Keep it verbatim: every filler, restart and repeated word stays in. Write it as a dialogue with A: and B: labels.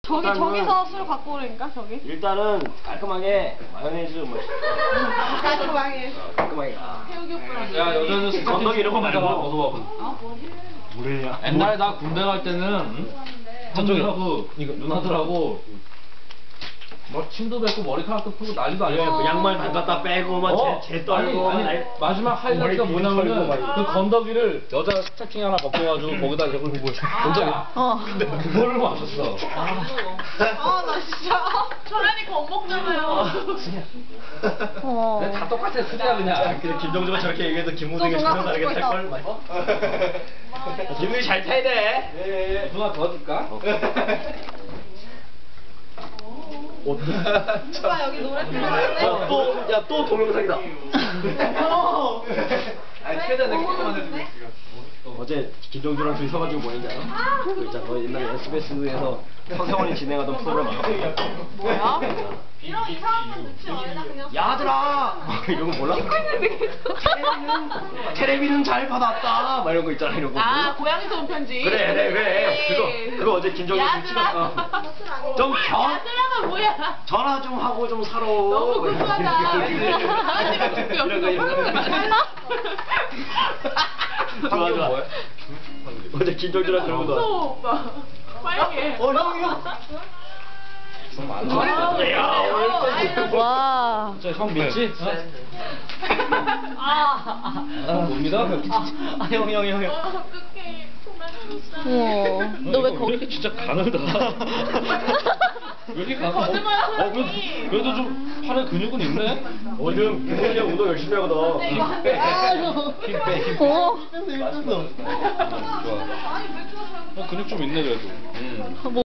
A: 저기 저기서 술 갖고 오라니까 저기.
B: 일단은 깔끔하게 마요네즈 뭐
A: 깔끔하게.
B: 깔끔하게.
A: 태욱이 오빠랑.
C: 야 여자는 스타트
B: 건더기 이런 거 말고.
C: 먹어봐.
B: 뭐래냐?
C: 옛날에 나 군대 갈 때는 형들하고 누나들하고 뭐 침도 뱉고 머리카락도 풀고 난리도 아니야.
B: 그 양말 담갔다 빼고 막
C: 어?
B: 제, 제 떨고
C: 아니, 아니, 마지막 하이라이트가
B: 머리
C: 뭐냐면은
B: 털고 막
C: 그 건더기를 여자 스타킹 하나 벗겨가지고 거기다 이렇게 본 적이
A: 어.
C: 근데 그거를 마셨어.
A: 아 나 진짜 저라니까 못 먹잖아요. 어.
C: 근데 다 똑같아 수제야 그냥.
B: 근데 김정주가 저렇게 얘기해도 김우승이
A: 또
B: 전혀
A: 누가
B: 다르게
A: 갖고
B: 탈걸. 김우승이 잘 타야 돼.
C: 예, 누나 도와줄까?
A: 오빠 여기 노래 들려야
B: 또, 야, 또 동영상이다.
C: 아니 최대한 내가 조금만 해주고
B: 어제 김정주랑 둘이 서가지고 뭐 했냐? 그 있잖아, 너 옛날에 에스비에스에서 서세원이 진행하던 프로그램 알아?
A: 뭐야? 이런 이상한 건 넣지 말라 그냥.
B: 야들아! 이런 거 몰라? 테레비는, 테레비는 잘 받았다! 막 이런 거 있잖아, 이런 거.
A: 아 고양이서 온 편지.
B: 그래, 그래, 그래. 그거, 그거 어제 김정주랑 찍었어. 좀 겨,
A: 야들아가 뭐야?
B: 전화 좀 하고 좀 살아.
A: 너무 구수하다. 아니면 듣고
B: 이런 거, 이런 거. 좋아, 좋아. 어제 김정주랑 그런 거.
A: 무서워 오빠. 빨개.
B: 어, 형, 형.
C: 좀
A: 아,
C: 많아.
B: 야, 오늘
D: 와.
C: 진짜 형 믿지?
A: 아.
C: 아, 못 믿어?
B: 아, 형, 형, 형, 형.
A: 어떡해.
D: 우와. 너 왜
C: 왜
D: 거기?
C: 이렇게 진짜 가늘다. 왜 이렇게 가늘?
A: 거짓말하지.
C: 어, 그래도, 그래도 좀 팔에 근육은 있네.
B: 요즘 김훈이 형 운동 열심히 하거든.
A: 이거 한 대.
C: 힘 빼, 힘 빼.
D: 어.
C: 좋아. 어, 근육 좀 있네 그래도. 음.